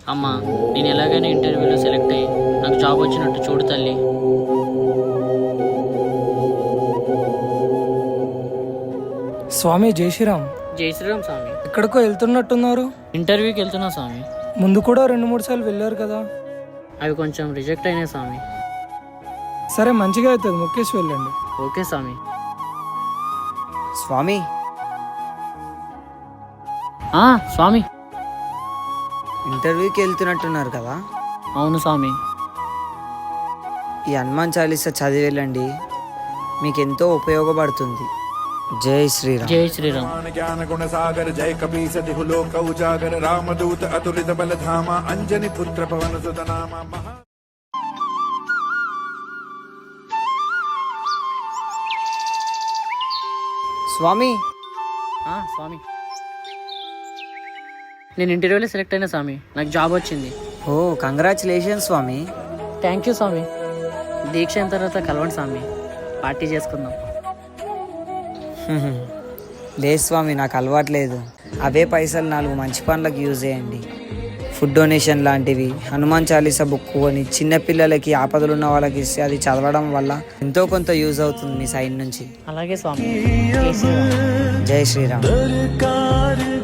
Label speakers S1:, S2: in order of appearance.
S1: అమ్మా, నేను ఎలాగైనా ఇంటర్వ్యూలో సెలెక్ట్ అయ్యి నాకు జాబ్ వచ్చినట్టు చూడు తల్లి.
S2: స్వామి జై శ్రీరామ్.
S1: జై శ్రీరామ్ స్వామి.
S2: ఎక్కడికో వెళ్తున్నట్టున్నారు.
S1: ఇంటర్వ్యూకి వెళ్తున్నా స్వామి.
S2: ముందు కూడా 2-3 సార్లు వెళ్ళారు కదా.
S1: అవి కొంచెం రిజెక్ట్ అయినాయి స్వామి.
S2: సరే, మంచిగా అవుతుంది, ముఖ్యేసి వెళ్ళండి.
S1: ఓకే స్వామి.
S3: స్వామి,
S1: స్వామి.
S3: ఇంటర్వ్యూకి వెళ్తున్నట్టున్నారు కదా,
S1: అవును స్వామి.
S3: ఈ హనుమాన్ చాలీసా చదివి వెళ్ళండి, మీకు ఎంతో ఉపయోగపడుతుంది. జై శ్రీరామ్.
S1: జై శ్రీరామ్.
S4: ज्ञान गुण सागर जय कपीस तिहु लोक उजागर रामदूत अतुलित बल धामा अंजनी पुत्र पवन सुत नामा महा।
S3: స్వామి,
S1: స్వామి, నేను ఇంటర్వ్యూలో సెలెక్ట్ అయినా స్వామి. నాకు జాబ్ వచ్చింది.
S3: Oh congratulation Swami.
S1: Thank you Swami. దీక్ష అయిన తర్వాత కలవండి స్వామి, పార్టీ చేసుకుందాం.
S3: లేదు స్వామి, నాకు అలవాట్లేదు. అవే పైసలు 4 మంచి పనులకు యూజ్ చేయండి. ఫుడ్ డొనేషన్ లాంటివి, హనుమాన్ చాలీసా బుక్ కొని చిన్నపిల్లలకి, ఆపదలు ఉన్న వాళ్ళకి ఇస్తే అది చదవడం వల్ల ఎంతో కొంత యూజ్ అవుతుంది మీ సైడ్ నుంచి.
S1: అలాగే స్వామి. జై శ్రీరామ్.
S3: జై శ్రీరామ్.